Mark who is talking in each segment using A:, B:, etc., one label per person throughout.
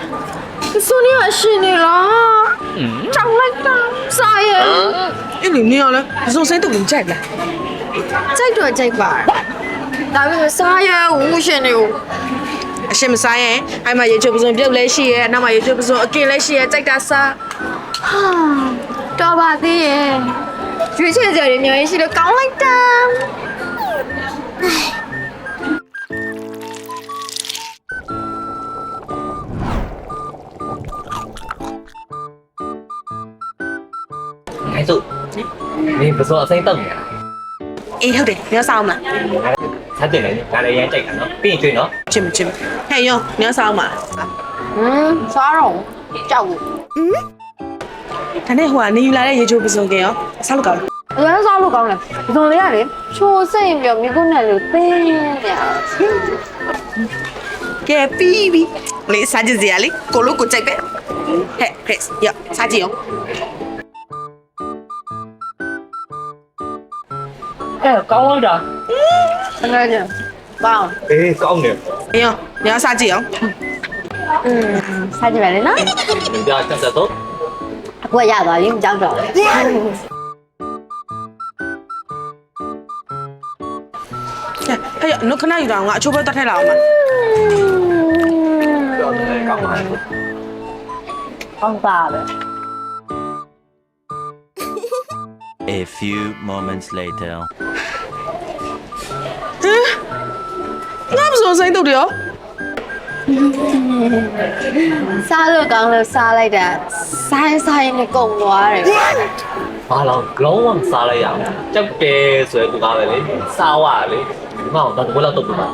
A: Sonia xin đi là chẳng lách ta sai à
B: Em liền nè là dùng sinh tụng chạy là
A: chạy rồi chạy bà tại vì sai à u xin đi
B: xem mà sai ấy ai mà giờ chưa bao giờ biết lấy gì ấy nào mà giờ chưa bao giờ kia lấy gì ấy chạy ra xa
A: cho bà đi chuyện chuyện giờ thì nhớ chỉ được cõng lách ta
C: Cái dụ mình vừa số sinh tầng
B: Ê thôi đi nhớ sao mà
C: sao tiền này cái này chạy cả nó pin chơi nó
B: chim hay không nhớ sao mà
A: xóa rồi chào
B: thằng này hòa ni lại đây giờ chưa bao giờ kìa sao lúc
A: 왜 싸우러 가래? 무슨 일이야, 리? 초생이면 미군에 때냐?
B: kìa pi pi lấy sao gì à lấy cô lúc cô chạy bé hệ hệ dạ sao gì không
C: ê con ơi rồi
A: 생각하지? 봐.
C: ê con nè
B: hay không nhớ sao gì không
A: 사지 말래나?
C: mình cho trong giờ tốt
A: 왜 야, 나 이름 짱 좋아.
B: hay giờ nó cái này rồi ngã chụp bao tao thay lòng mà
C: con mà
A: Con bà đấy.
D: A few moments later.
B: nó bao giờ sinh tụng được
A: xa rồi càng là xa lại đã sai sai này cùng quá rồi.
C: à là lâu lắm xa lại à chắc kê sưởi của tao này sao à đấy ngon tao cũng là tụt mà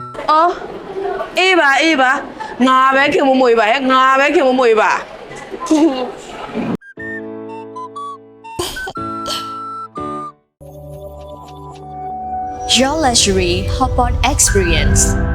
B: ê bà ngà bé kia một mùi bà ngà bé kia một mùi bà
E: Your luxury hotpot experience.